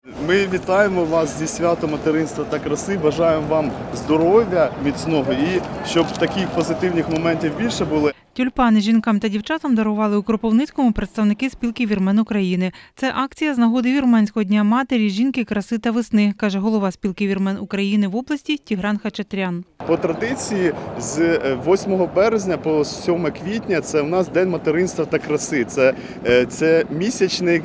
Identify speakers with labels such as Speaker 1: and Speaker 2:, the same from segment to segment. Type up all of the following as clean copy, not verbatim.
Speaker 1: Ми вітаємо вас зі святом материнства та краси. Бажаємо вам здоров'я міцного і щоб таких позитивних моментів більше було.
Speaker 2: Тюльпани жінкам та дівчатам дарували у Кропивницькому представники спілки вірмен України. Це акція з нагоди Вірменського дня матері, жінки, краси та весни, каже голова спілки вірмен України в області Тігран Хачатрян.
Speaker 1: По традиції з 8 березня по 7 квітня це у нас День материнства та краси. Це місячник,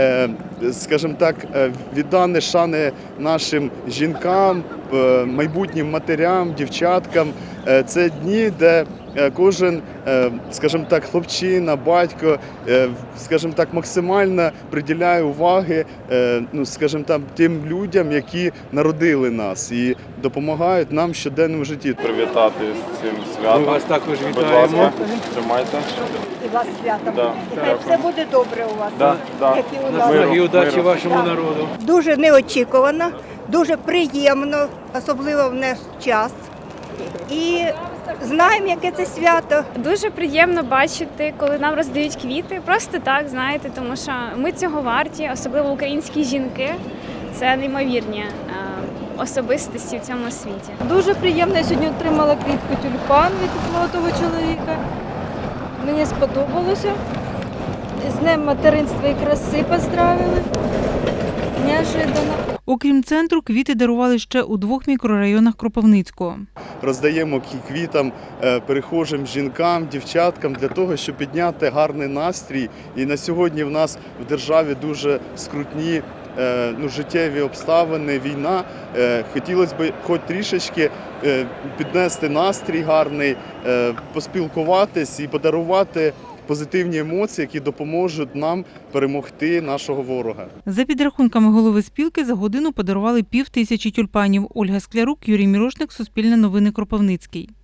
Speaker 1: скажімо так, відданий шани нашим жінкам, майбутнім матерям, дівчаткам. Це дні, де кожен, скажімо так, хлопчина, батько, скажімо так, максимально приділяє уваги, скажімо так, тим людям, які народили нас і допомагають нам в щоденному житті.
Speaker 3: Привітати з цим святом.
Speaker 4: Ми вас також
Speaker 3: Будь
Speaker 4: вітаємо.
Speaker 3: ласка, тримайте.
Speaker 5: І вас святом.
Speaker 3: Да.
Speaker 5: І хай все буде добре у вас.
Speaker 3: Да.
Speaker 5: Як і у нас.
Speaker 4: Наснаги і удачі
Speaker 3: Миру.
Speaker 4: вашому народу.
Speaker 5: Дуже неочікувано, дуже приємно, особливо в наш час. І знаємо, яке це свято.
Speaker 6: Дуже приємно бачити, коли нам роздають квіти. Просто так, знаєте, тому що ми цього варті, особливо українські жінки. Це неймовірні особистості в цьому світі.
Speaker 7: Дуже приємно, я сьогодні отримала квітку тюльпан від молодого чоловіка. Мені сподобалося. З Днем материнства і краси поздравили. Неожиданно.
Speaker 2: Окрім центру, квіти дарували ще у 2 мікрорайонах Кропивницького.
Speaker 1: Роздаємо квітам перехожим жінкам, дівчаткам для того, щоб підняти гарний настрій. І на сьогодні в нас в державі дуже скрутні життєві обставини, війна. Хотілося б хоч трішечки піднести настрій гарний, поспілкуватись і подарувати позитивні емоції, які допоможуть нам перемогти нашого ворога.
Speaker 2: За підрахунками голови спілки, за годину подарували 5000 тюльпанів. Ольга Склярук, Юрій Мірошник, Суспільне новини, Кропивницький.